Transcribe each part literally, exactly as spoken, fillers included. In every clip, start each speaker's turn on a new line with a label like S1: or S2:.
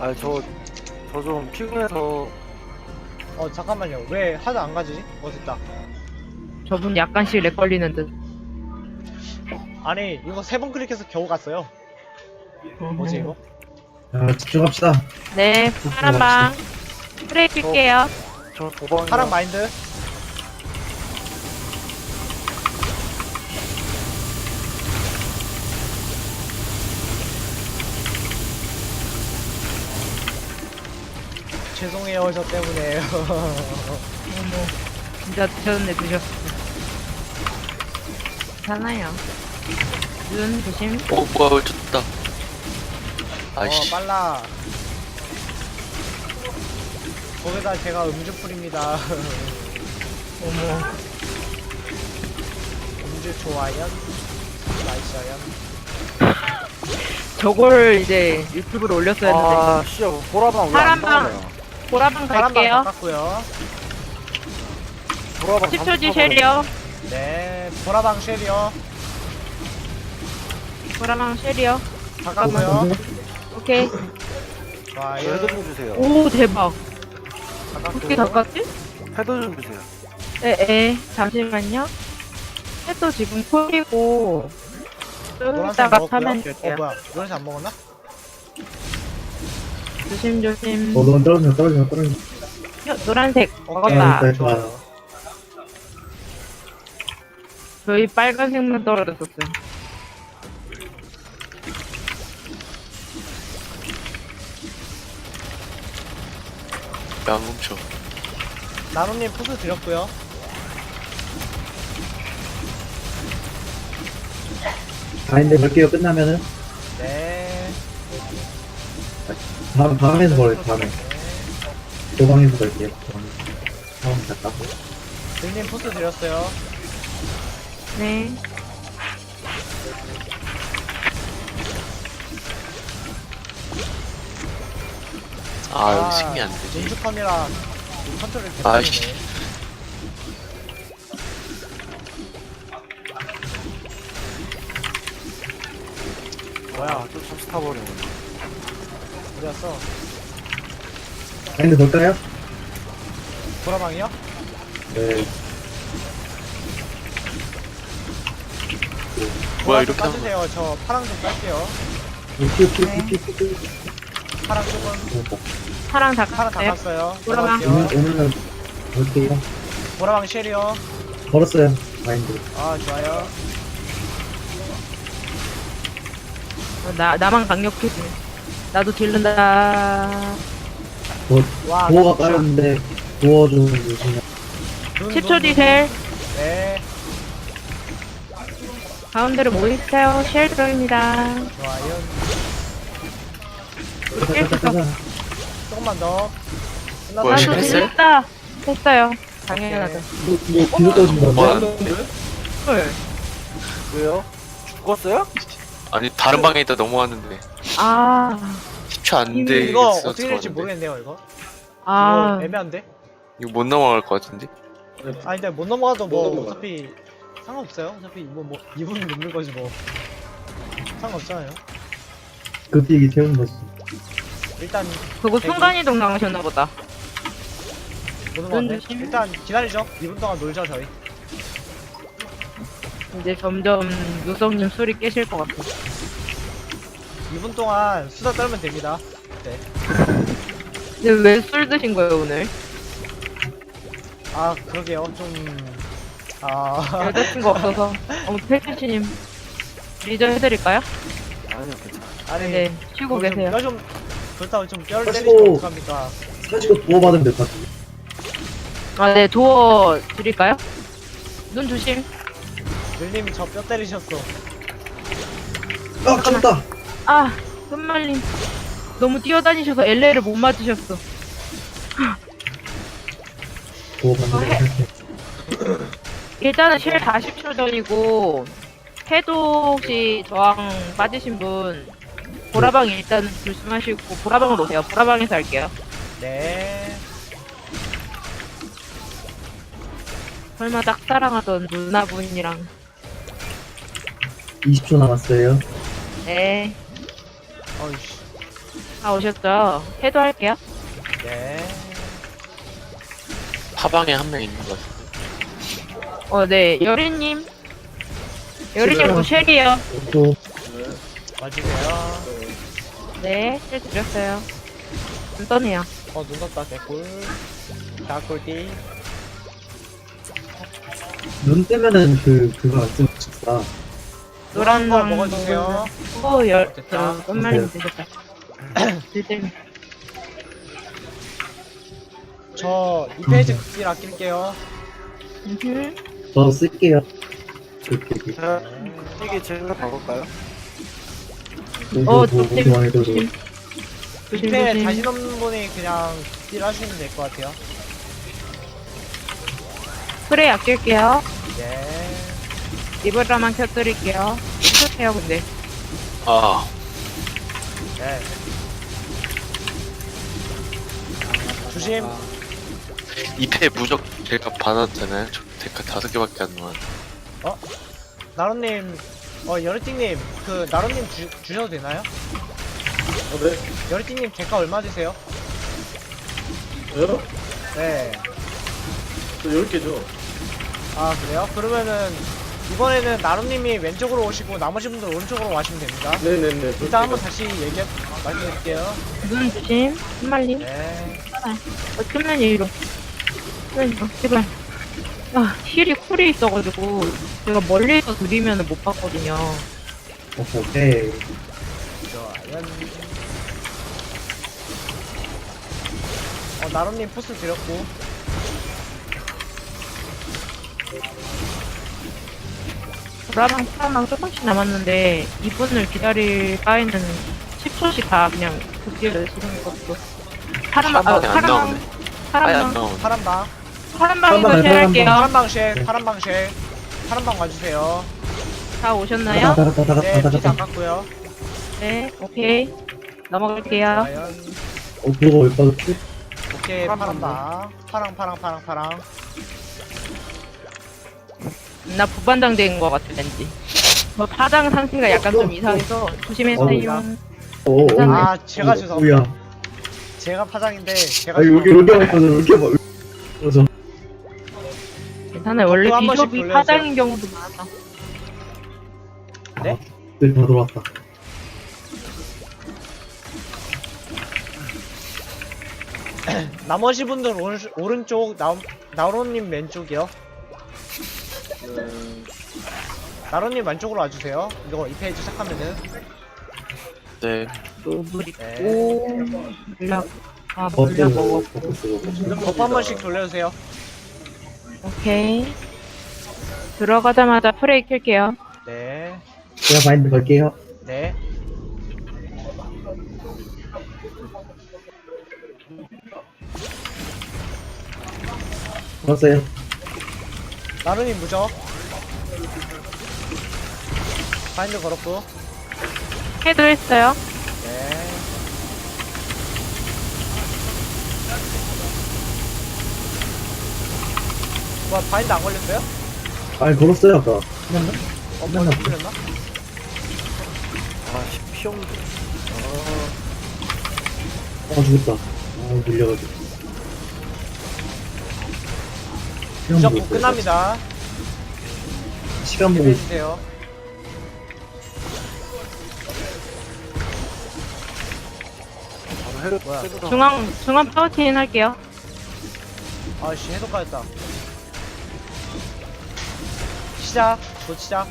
S1: 아, 저, 저 좀 피곤해서.
S2: 어 잠깐만요. 왜 하도 안 가지? 어 됐다.
S3: 저분 약간씩 렉 걸리는 듯.
S2: 아니 이거 세 번 클릭해서 겨우 갔어요. 뭐지 이거?
S4: 자, 집중합시다.
S3: 네, 파란 방. 프레이 킬게요.
S1: 저 도방.
S2: 파란 마인드. 죄송해요 저 때문에.
S3: 어머, 진짜 드셨네, 드셨어. 괜찮아요. 눈 조심.
S5: 어 뭐야 졌다.
S2: 어
S5: 아이씨.
S2: 빨라. 거기다 제가 음주 풀입니다.
S3: 어머.
S2: 음주 좋아요. 나이스요.
S3: 저걸 이제 유튜브로 올렸어야 했는데.
S1: 아, 씨, 보라방 왜안
S3: 파란 방.
S1: 나오네요.
S3: 보라방
S2: 파란 방
S3: 갈게요.
S2: 바꿨고요.
S1: 보라방
S3: 십 초 뒤
S1: 삼십 초
S3: 쉘이요.
S2: 네 보라방 쉘이요.
S3: 보라방 쉘이요.
S2: 바꿨고요.
S3: 오케이.
S1: 저 헤드
S2: 좋아요.
S1: 좀 주세요.
S3: 오, 대박. 어떻게
S2: 바꿨고요.
S3: 가깝지?
S1: 헤드 좀 주세요.
S3: 네, 에, 잠시만요. 해도 지금 콜이고, 좀
S2: 노란색
S3: 이따가
S2: 먹었고요.
S3: 타면
S2: 어
S3: 될게요.
S2: 뭐야? 노란색 안 먹었나?
S3: 조심조심.
S4: 어, 넌 떨어져, 떨어져, 떨어져.
S3: 요, 노란색
S2: 오케이.
S3: 먹었다.
S4: 네,
S2: 좋아요.
S3: 저희 빨간색만 떨어졌었어요.
S5: 안 멈춰.
S2: 나노님 푸드 드렸고요.
S4: 바인드 걸게요, 끝나면은.
S2: 네.
S4: 다음, 다음에서 걸어요, 다음에.
S2: 네.
S4: 도방에서 걸게요, 도방에서. 다음 잠깐.
S2: 들님 푸드 드렸어요.
S3: 네.
S5: 아 여기 승리 안 되지.
S2: 민주컨이라 컨트롤
S5: 아이씨.
S2: 개판이네. 뭐야?
S1: 아, 또 잠시 타버리네.
S2: 어디 갔어?
S4: 바인드 걸까요?
S2: 보라방이요?
S4: 네.
S5: 뭐야
S2: 보라 좀
S5: 이렇게 하면
S2: 까주세요. 저 파랑 좀 깔게요.
S4: 큐, 큐, 큐, 큐, 큐.
S2: 파랑 조금.
S4: 어,
S3: 파랑 다
S2: 파랑 다
S3: 깠어요.
S2: 깠어요.
S3: 보라방.
S2: 걸어갈게요.
S4: 오늘, 오늘은 걸게요.
S2: 보라방 쉘이요.
S4: 걸었어요, 바인드.
S2: 아 좋아요.
S3: 어, 나, 나만 강력해지네. 나도 딜른다.
S4: 뭐,
S2: 와.
S4: 도어가
S2: 진짜.
S4: 깔았는데, 도어 좀 주시면.
S2: 눈,
S3: 십 초
S2: 눈,
S3: 뒤
S2: 눈.
S3: 쉘.
S2: 네.
S3: 가운데로 모이세요. 쉘 들어입니다.
S2: 좋아요.
S4: 가자, 가자, 가자.
S2: 조금만 더.
S5: 뭐야,
S2: 끝났어요.
S3: 나도
S5: 했어요?
S3: 딜른다. 했어요. 당연하죠.
S4: 뭐, 뭐, 뒤로 떨어진
S5: 뭐
S4: 건데?
S5: 하는데?
S3: 헐.
S1: 왜요? 죽었어요?
S5: 아니 다른 방에 있다 넘어왔는데
S3: 아.
S5: 십 초 안
S2: 이거
S5: 돼.
S2: 이거 어떻게 될지 모르겠네요 이거.
S3: 아.
S2: 이거 애매한데?
S5: 이거 못 넘어갈 것 같은데?
S2: 아니 근데 못 넘어가도 뭐 어차피 상관없어요. 어차피 이거 뭐 이 분 넘는 거지 뭐. 상관없잖아요.
S4: 그 비기 태우는 거지.
S2: 일단
S3: 그거
S2: 대기.
S3: 순간이동 당하셨나 보다.
S2: 못 넘어갔네.
S3: 조심.
S2: 일단 기다리죠. 이 분 동안 놀죠 저희.
S3: 이제 점점 누성님 술이 깨실 것 같아.
S2: 이 분 동안 수다 떨면 됩니다. 네.
S3: 근데 왜 술 드신 거예요 오늘?
S2: 아 그러게요. 좀 아.
S3: 여자친구 없어서. 어, 펠트님 리저 해드릴까요?
S1: 아니요, 괜찮아.
S2: 아니
S3: 네, 쉬고
S2: 그거 좀
S3: 계세요.
S2: 뼈 좀 그렇다고 좀 뼈를
S4: 하시고.
S2: 때리시면 어떡합니까?
S4: 사실 도어 받으면 될 것 같은데.
S3: 아, 네, 도어 드릴까요? 눈 조심.
S2: 늘님이 저 뼈 때리셨어.
S4: 아, 쳤다!
S3: 아, 끝말림. 너무 뛰어다니셔서 엘레를 못 맞으셨어.
S4: 도어 받는 거 생각해.
S3: 일단은 실 사십 초 전이고, 해도 혹시 저항 빠지신 분, 보라방 일단 조심하시고, 보라방으로 오세요. 보라방에서 할게요.
S2: 네.
S3: 설마 짝사랑하던 누나분이랑.
S4: 이십 초 남았어요.
S3: 네.
S2: 어이씨.
S3: 다 오셨죠? 해도 할게요.
S2: 네.
S5: 파방에 한 명 있는 것 같은데.
S3: 어, 네. 여리님. 여리님 그 쉘이요.
S4: 또
S2: 와주세요.
S3: 네, 쉘 드렸어요. 좀 떠네요.
S2: 어, 눈 떴다, 개꿀. 자, 꿀띠.
S4: 눈 뜨면은 그 그거 안 쓰는 식사.
S3: 노란
S2: 거
S3: 거
S2: 먹어주세요.
S3: 오, 열,
S2: 됐다.
S3: 그, 끝말림 되셨다. 들들.
S2: 저 이 페이지 극딜 아낄게요.
S3: 음흠.
S4: 저 쓸게요. 그 되게
S1: 자, 이게 제가 봐볼까요?
S3: 어,
S4: 너무
S3: 조심.
S4: 좋아해도
S3: 조심. 조심,
S2: 밑에
S3: 조심.
S2: 자신 없는 분이 그냥 극딜 하시면 될 것 같아요.
S3: 프레이 아낄게요.
S2: 네.
S3: 리브라만 켜드릴게요. 괜찮아요, 근데.
S5: 아,
S2: 네. 조심.
S5: 이 패 무적 제가 받았잖아요. 저 데카 다섯 개밖에 안 나왔.
S2: 나로님, 어, 여리띵님, 그, 나로님 주, 주셔도 되나요?
S6: 어, 네.
S2: 여리띵님, 대가 얼마 드세요?
S6: 저요?
S2: 네.
S6: 저 열 개죠.
S2: 아, 그래요? 그러면은, 이번에는 나로님이 왼쪽으로 오시고, 나머지 분들 오른쪽으로 와시면 됩니다.
S6: 네네네.
S2: 일단 한번 다시 얘기, 말씀드릴게요.
S3: 눈 조심. 끝말림.
S2: 네.
S3: 어, 끝면 이리로. 끝면 이리로. 제발. 아, 힐이 쿨이 있어가지고, 제가 멀리서 드리면 못 봤거든요.
S4: 오케이.
S2: 좋아요. 어, 나로님 포스 드렸고.
S3: 보라랑 파랑 조금씩 남았는데, 이분을 기다릴 바에는 십 초씩 다 그냥 극딜을 쓰는 것도. 파란, 아,
S5: 파방에 안
S3: 파란,
S5: 나오네.
S3: 파란,
S5: 아예 안
S3: 방,
S5: 나오네.
S2: 파란방.
S3: 파란 방에서
S4: 파란 방,
S3: 쉐할게요.
S2: 파란방 쉘, 파란방 쉘. 파란방 와주세요.
S3: 다 오셨나요?
S4: 다가 다가
S2: 네,
S4: 다가
S2: 피자
S4: 다가.
S2: 깎고요.
S3: 네, 오케이. 넘어갈게요.
S2: 과연.
S4: 어 그거 왜 빠졌지?
S2: 오케이, 파란방. 파랑, 파랑, 파랑, 파랑.
S3: 나 부반장 된 것 같아, 왠지. 뭐, 파장 상태가 약간 좀 이상해서 조심해주세요.
S4: 어. 어.
S2: 아, 제가 죄송합니다.
S4: 뭐야?
S2: 제가 파장인데, 제가
S4: 아 여기 여기 와서 이렇게 막. 맞아.
S3: 괜찮아요. 원래
S2: 또 한 번씩
S3: 비숍이
S2: 돌려주세요.
S3: 파장인 경우도 많아.
S2: 네?
S4: 네, 다 돌아왔다.
S2: 나머지 분들 오른, 오른쪽, 나, 나로님 왼쪽이요.
S6: 네.
S2: 나로님 왼쪽으로 와주세요. 이거 이 페이지 시작하면은.
S5: 네.
S3: 노블
S2: 네.
S3: 있고, 물약, 아,
S4: 버스
S3: 물약 먹어.
S4: 버스.
S2: 버프 한 번씩 돌려주세요.
S3: 오케이. 들어가자마자 프레이 킬게요.
S2: 네.
S4: 제가 바인드 걸게요.
S2: 네.
S4: 걸었어요.
S2: 나루님 무적. 바인드 걸었고.
S3: 해도 했어요.
S2: 네. 뭐 바인드 안 걸렸어요?
S4: 아 걸었어요 아까. 끝났나?
S2: 어, 뭐 안 걸렸나?
S1: 아, 피용도.
S4: 아 죽었다. 아 밀려가지고. 시간
S2: 무적
S4: 보고
S2: 곧 끝납니다.
S4: 시간 보고 있어.
S2: 해주세요.
S1: 바로 해도
S2: 뭐야?
S1: 해도
S3: 중앙, 중앙 파워틴 할게요.
S2: 아씨 해독 가졌다. 시작. 곧 시작.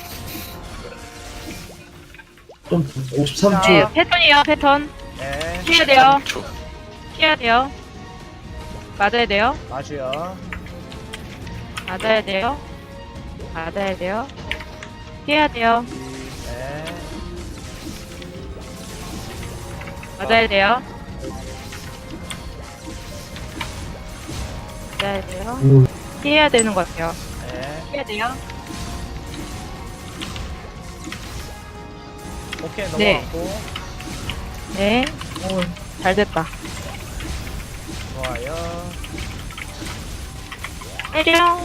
S4: 좀 오십삼 초.
S3: 네, 패턴이에요, 패턴.
S2: 네.
S3: 피해야 돼요.
S5: 초.
S3: 피해야 돼요. 맞아야 돼요.
S2: 맞아요.
S3: 맞아야 돼요. 맞아야 돼요. 피해야 돼요.
S2: 네.
S3: 맞아야 돼요. 맞아야 돼요.
S4: 오,
S3: 피해야 되는 것 같아요.
S2: 네.
S3: 피해야 돼요.
S2: 오케이
S3: 네.
S2: 넘어갔고.
S3: 네. 오, 잘 됐다.
S2: 좋아요.
S3: 때려.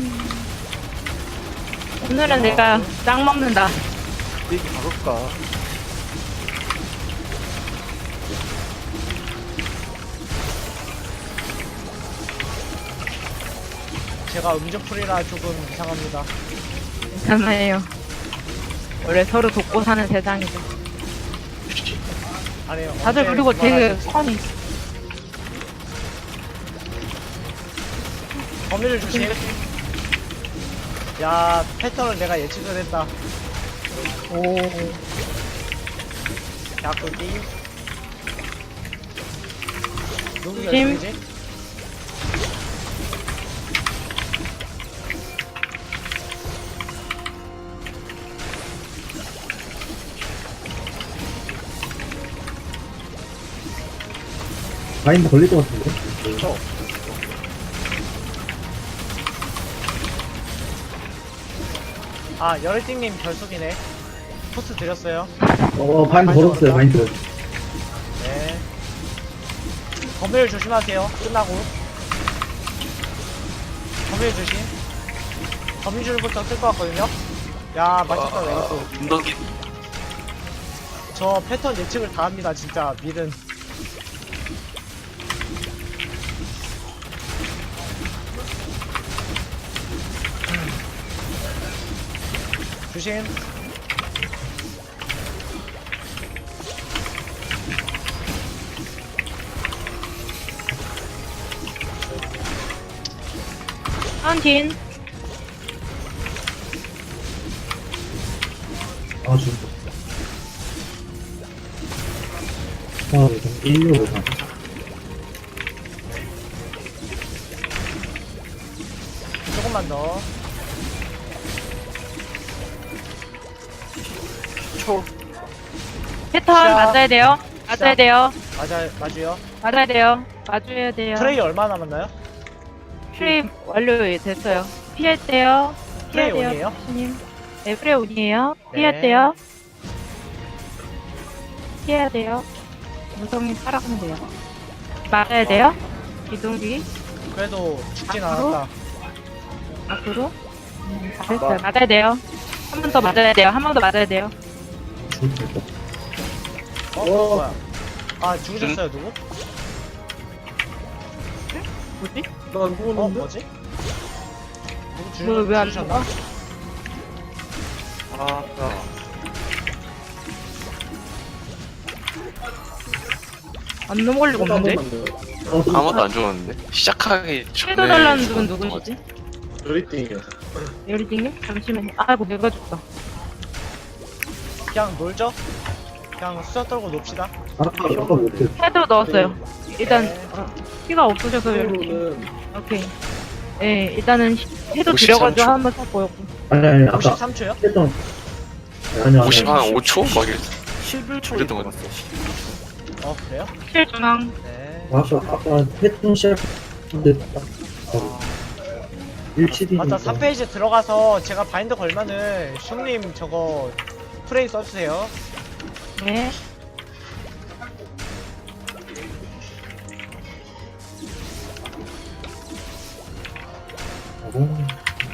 S3: 오늘은 내가 짱 먹는다.
S1: 이게 바꿀까?
S2: 제가 음주풀이라 조금 이상합니다.
S3: 괜찮아요. 원래 서로 돕고 사는 세상이죠.
S2: 아니요.
S3: 다들
S2: 언제
S3: 그리고 되게
S2: 그만하실지.
S3: 선이.
S2: 범위를 조심. 야, 패턴을 내가 예측을 했다.
S3: 오.
S2: 야구기. 누구
S3: 조심.
S2: 결승이지?
S4: 마인드 걸릴 것 같은데?
S1: 저
S2: 아, 열일띵님 결속이네. 포스 드렸어요.
S4: 어, 마인드 걸었어요, 마인드.
S2: 네. 범위를 조심하세요. 끝나고. 범위를 조심. 범위줄부터 쓸 것 같거든요. 야, 맞췄다, 내가 또.
S5: 운동기
S2: 저 패턴 예측을 다 합니다, 진짜. 밀은. 조심.
S3: 헌틴.
S4: 아, 죽었다. 아, 일단 일로 가.
S2: 조금만 더.
S1: 초
S3: 패턴
S2: 자.
S3: 맞아야 돼요. 맞아야
S2: 자.
S3: 돼요.
S2: 맞아, 맞아요.
S3: 맞아야 돼요. 맞아야 돼요.
S2: 트레이 얼마 남았나요?
S3: 프레임 완료 됐어요. 피할 때요. 피해야
S2: 프레이
S3: 돼요.
S2: 온이에요?
S3: 교수님. 네, 프레이 온이에요.
S2: 네.
S3: 피할 때요. 피해야 돼요. 무성이 살아가면 돼요. 맞아야 돼요. 기둥기
S2: 그래도 죽진
S3: 앞으로?
S2: 않았다.
S3: 앞으로. 음, 잘했어요. 맞아야 돼요. 한 번 더 맞아야 돼요. 한 번 더 맞아야 돼요.
S4: 죽었다.
S2: 어? 뭐야? 아, 죽으셨어요, 누구?
S3: 뭐지?
S6: 난
S2: 어,
S6: 누웠는데?
S2: 뭐지? 누구 죽,
S3: 뭐, 왜안
S2: 죽으셨나?
S3: 죽어?
S1: 아, 아.
S3: 안 넘어가려고
S6: 한
S3: 없는데?
S6: 번만 더.
S4: 어, 그-
S5: 아무도 안 좋았는데 시작하기 전에
S3: 섀도 달라는 분은 누구시지?
S6: 요리띵이요.
S3: 요리딩님? 잠시만요. 아이고, 내가 죽다.
S2: 그냥 놀죠? 그냥 수저 떨고 놉시다.
S4: 아까, 아까 못해.
S3: 헤드 넣었어요. 일단,
S2: 네.
S3: 어, 피가 없으셔서 이렇게.
S6: 는
S3: 오케이. 예, 일단은 해도
S5: 오십삼
S3: 들여가지고
S5: 초.
S3: 한번 딱 보였고.
S4: 아니, 아니, 아까
S2: 오십삼 초요?
S4: 했던. 아니, 아니.
S5: 오십 한 오 초? 막 이랬어.
S1: 십일 초에
S5: 그랬던 것
S1: 들어갔어.
S2: 어, 그래요?
S3: 실중앙.
S2: 네.
S4: 아까, 아까 했던 시작인데 딱, 바로. 일치디.
S2: 맞다, 삼 페이지 들어가서 제가 바인드 걸면은 숑님 저거 프레이 써주세요.
S3: 네.
S4: 어,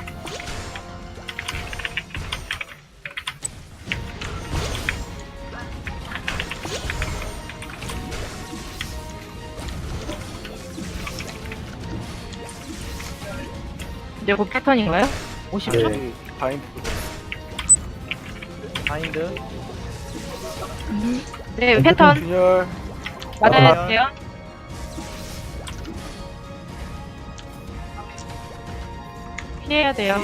S3: 이제 곧 패턴인가요? 오십 초?
S4: 네.
S1: 바인드
S2: 바인드.
S3: 음. 네, 패턴.
S1: 균열
S3: 맞아야
S2: 아.
S3: 돼요. 피해야 돼요.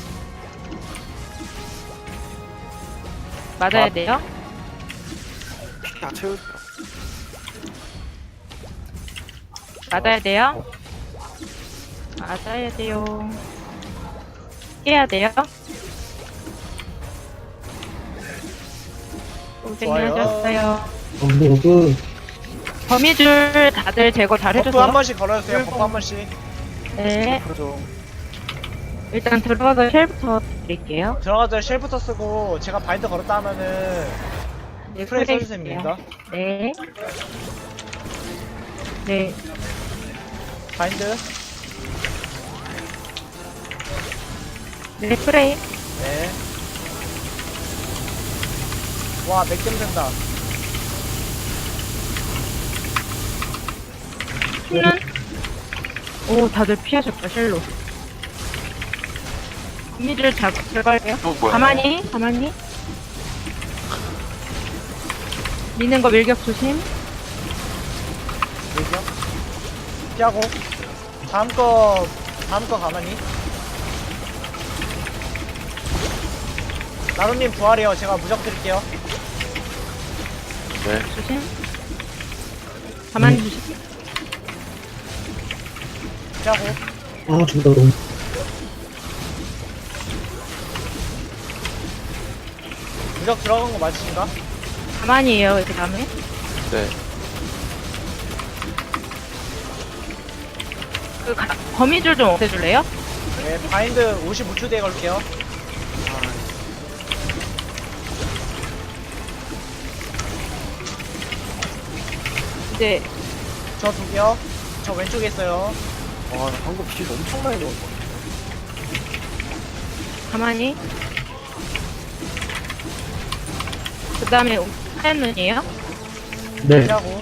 S3: 맞아야
S1: 아.
S3: 돼요.
S1: 다 채울
S3: 맞아야 돼요. 맞아야 돼요. 피해야 돼요. 고생하셨어요.
S4: 어, 근데 그,
S3: 거미줄 다들 제거 잘
S2: 버프 한
S3: 해줬어요.
S2: 번씩 걸어주세요. 버프 한 번씩.
S3: 네.
S1: 그러죠.
S3: 일단 들어가서 쉘부터 드릴게요.
S2: 들어가서 쉘부터 쓰고 제가 바인드 걸었다 하면은
S3: 네,
S2: 프레이
S3: 프레이
S2: 써주시면
S3: 줄게요.
S2: 됩니다.
S3: 네. 네.
S2: 바인드.
S3: 네, 프레이.
S2: 네. 와, 맥점 된다.
S3: 는 오, 다들 피하셨다, 쉘로. 거미줄 잘, 제거할게요.
S5: 어 뭐야?
S3: 가만히, 가만히. 미는 거 밀격 조심.
S2: 밀격. 피하고. 다음 거, 다음 거 가만히. 나루님 부활이요. 제가 무적 드릴게요.
S5: 네.
S3: 조심. 가만히 조심.
S2: 피하고.
S4: 아, 죽다, 너무.
S2: 무적 들어간 거 맞으신가?
S3: 가만히 해요, 그 다음에.
S5: 네.
S3: 그 가, 거미줄 좀 없애줄래요?
S2: 네, 바인드 오십오 초 뒤에 걸게요.
S3: 이제
S2: 저 두 개요. 저 왼쪽에 있어요.
S1: 와, 나 방금 길 엄청 많이 넣었어.
S3: 가만히. 그 다음에 하얀 눈이에요?
S4: 네.
S2: 피하고.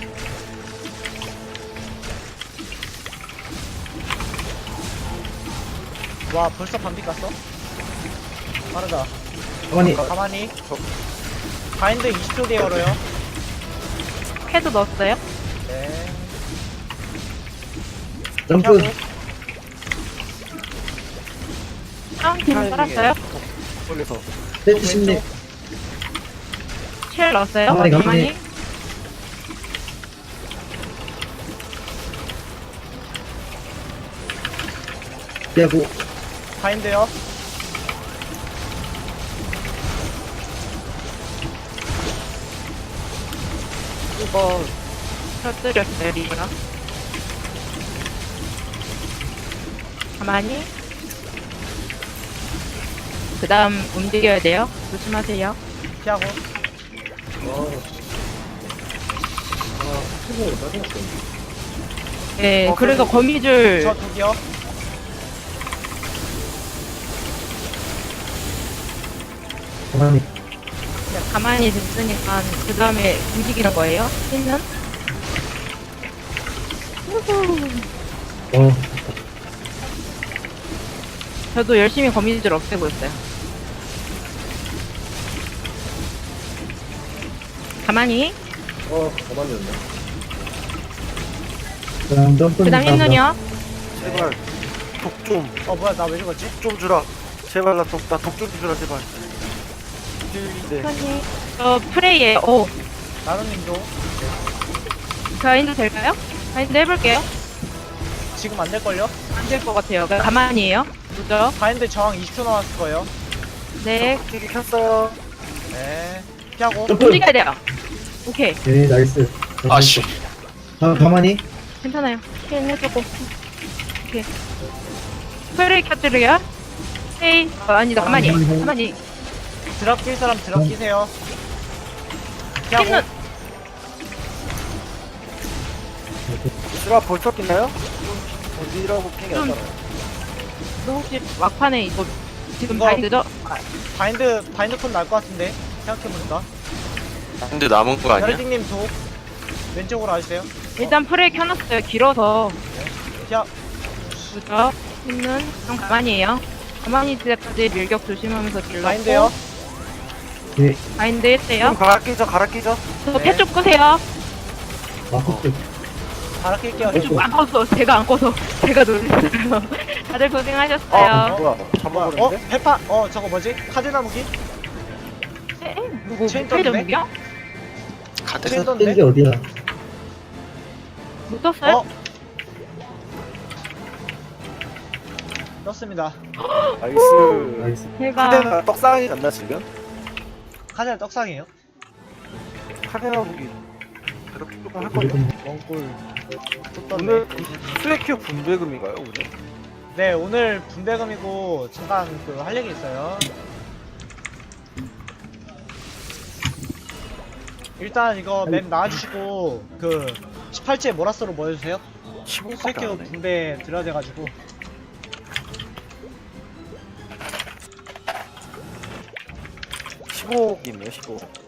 S2: 와, 벌써 반비 깠어? 빠르다.
S4: 가만히.
S2: 가만히. 바인드 이십 초 뒤에 걸어요.
S3: 캐도 넣었어요?
S2: 네.
S4: 점프.
S2: 피하고.
S3: 파운틴 깔았어요?
S1: 걸려서.
S4: 세트 심리.
S3: 쉘 넣었어요?
S4: 가만히, 가만히.
S3: 가만히.
S4: 피하고.
S2: 바인드요.
S1: 이거
S3: 터뜨렸어요, 리브라. 가만히. 그 다음 움직여야 돼요. 조심하세요.
S2: 피하고.
S6: 생각으로 짜증났어.
S3: 네,
S1: 어,
S3: 그래서
S1: 그래도-
S3: 거미줄
S2: 저 두 개요.
S4: 가만히.
S3: 그냥 가만히 있으니까 그 다음에 움직이는 거예요. 신는?
S4: 어,
S3: 저도 열심히 거미줄 없애고 있어요. 가만히.
S6: 어, 가만히였네.
S4: 그 다음 점프.
S3: 그 다음 흰눈이요.
S1: 제발 독 좀,
S2: 어, 뭐야, 나 왜 죽었지?
S1: 독 좀 주라. 제발 나 독, 나 독 좀 주라, 제발. 네.
S3: 천천히. 저 프레이에, 오.
S2: 나루님도.
S3: 바인드 될까요? 바인드 해볼게요.
S2: 지금 안 될걸요?
S3: 안 될 것 같아요. 그냥 가만히 해요. 그죠?
S2: 바인드 저항 이십 초 남았을 거예요.
S3: 네.
S1: TV 켰어요.
S2: 네. 피하고.
S4: 점프.
S3: 움직여야 돼요. 오케이.
S4: 네, 나이스.
S5: 아씨.
S4: 가, 가만히.
S3: 괜찮아요. 힐 해주고. 오케이. 프레이 켜드려요? 헤이. 어, 아니다. 가만히.
S4: 가만히.
S3: 가만히.
S2: 드랍 낄 사람 드랍
S4: 음.
S2: 끼세요. 피하고.
S3: 흰눈.
S1: 제가 벌써 깼나요? 어디라고 핑이
S3: 좀-
S1: 났잖아요.
S3: 너 혹시 막판에 이거 지금
S2: 이거-
S3: 바인드죠?
S2: 바인드, 바인드 콘 날 것 같은데. 생각해보니까.
S5: 근데 남은 거 아니야?
S2: 여리딩님 도. 왼쪽으로 와주세요.
S3: 일단 프레이 켜놨어요. 길어서.
S2: 피하.
S3: 그죠? 흰눈. 그럼 가만히 해요. 가만히 있을 때까지 밀격 조심하면서 딜러.
S2: 바인드요.
S4: 네.
S3: 바인드 했대요.
S1: 좀 갈아 끼죠, 갈아 끼죠.
S3: 저
S2: 네.
S3: 패쪽 끄세요.
S4: 마크 쪽.
S2: 바로 낄게요.
S3: 패쪽 안 꺼서. 제가 안 꺼서. 제가 놀랐어요. 다들 고생하셨어요.
S1: 아, 뭐야.
S2: 뭐야,
S1: 잠깐만
S2: 어?
S1: 그랬는데?
S2: 페파? 어, 저거 뭐지? 카드 나무기?
S3: 에? 누구
S2: 체인
S3: 목표
S2: 떴네?
S3: 점이요?
S5: 카드.
S2: 체인
S4: 뜬
S2: 떴네?
S4: 게 어디야?
S3: 못 떴어요?
S2: 어? 떴습니다.
S1: 나이스.
S4: 나이스.
S3: 대박.
S1: 카데나 떡상이 났나, 지금?
S2: 카드 떡상이에요.
S1: 카데나 보기. 그렇게 조금 할걸요?
S4: 그리고
S2: 원골. 또 떴네.
S1: 오늘 플래큐 분배금인가요, 오늘?
S2: 네, 오늘 분배금이고 잠깐 그 할 얘기 있어요. 일단 이거 맵 나와주시고 그 십팔 째 모라스로 모여주세요.
S1: 십오밖에
S2: 스웨큐
S1: 안 해.
S2: 분배 드려야 돼가지고.
S1: 십오억이네요, 십오.